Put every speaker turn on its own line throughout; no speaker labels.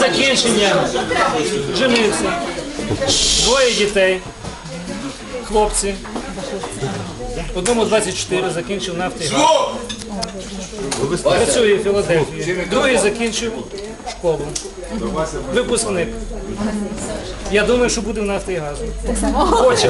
закінчення женився. Двоє дітей, хлопці. Одному 24, закінчив «Нафтогаз». Працює в Філадельфії. Другий закінчив школу. Випускник. Я думаю, що буде в «Нафтогазі». Хоче.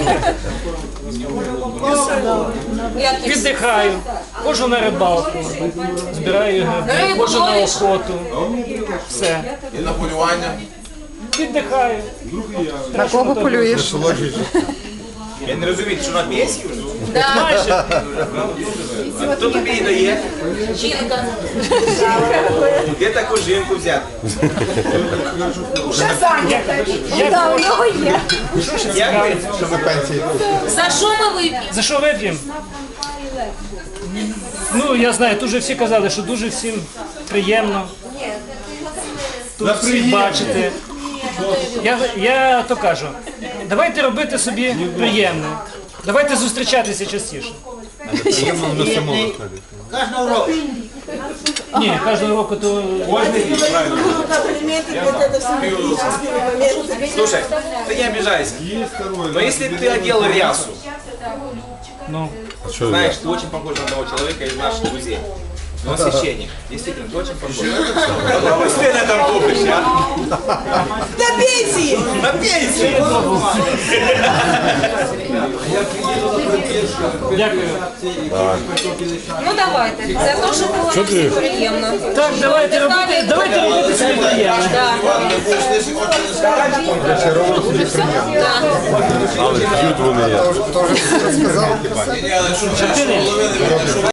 Віддихаю. Ходжу на рибалку, збираю гриби, ходжу на охоту. Все.
І на полювання.
Віддихаю.
На кого полюєш?
Я не розумію, що на п'єсі вже?
Майже.
А хто тобі її дає?
Жінка.
Де таку жінку взяти?
Вже зайнята.
Так, у нього є.
Як ви?
За що ми вип'ємо?
За що вип'ємо? Ну, я знаю, тут вже всі казали, що дуже всім приємно тут всіх бачити. Я то кажу, давайте робити собі приємне. Давайте зустрічатися частіше.
Кожного року.
Ні, кожного року то...
Слушай, ты не обижайся. Но если бы ты одел рясу,
Ну,
знаешь, ты очень похож на того человека из наших друзей. Он священник. Действительно, ты очень похож. Попробуй себе на этом купишь, а?
На пенсії!
На пенсии!
дякую.
Ну давайте, за те, що було всім приємно.
Так, давайте робити собі приємне.
Да.
Ні, але що,
Чотири.